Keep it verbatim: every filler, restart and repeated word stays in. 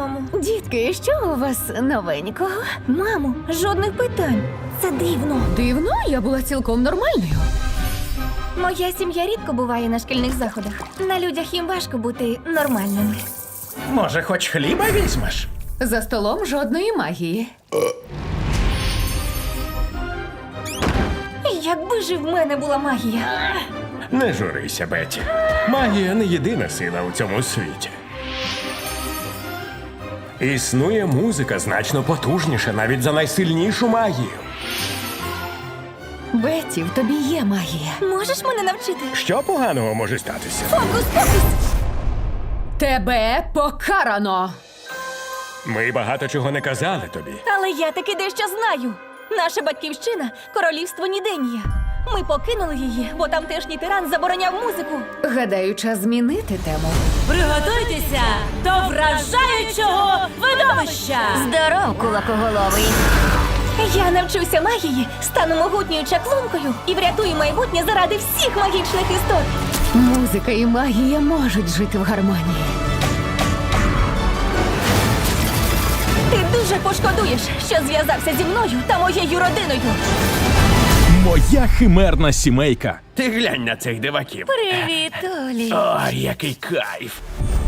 дому. Дітки, що у вас новенького? Мамо, жодних питань. Це дивно. Дивно, я була цілком нормальною. Моя сім'я рідко буває на шкільних заходах. На людях їм важко бути нормальними. Може, хоч хліба візьмеш? За столом жодної магії. Якби ж і в мене була магія. Не журися, Бетті. Магія не єдина сила у цьому світі. Існує музика значно потужніша навіть за найсильнішу магію. Бетті, в тобі є магія. Можеш мене навчити? Що поганого може статися? Фокус-покус! Тебе покарано! Ми багато чого не казали тобі. Але я таки дещо знаю. Наша батьківщина – королівство Ніденія. Ми покинули її, бо тамтешній тиран забороняв музику. Гадаю, час змінити тему. Приготуйтеся до вражаючого видовища! Здоров, кулакоголовий! Я навчуся магії, стану могутньою чаклункою і врятую майбутнє заради всіх магічних істот. Музика і магія можуть жити в гармонії. Ти дуже пошкодуєш, що зв'язався зі мною та моєю родиною. Моя химерна сімейка. Ти глянь на цих диваків. Привіт, Олі. Ой, який кайф.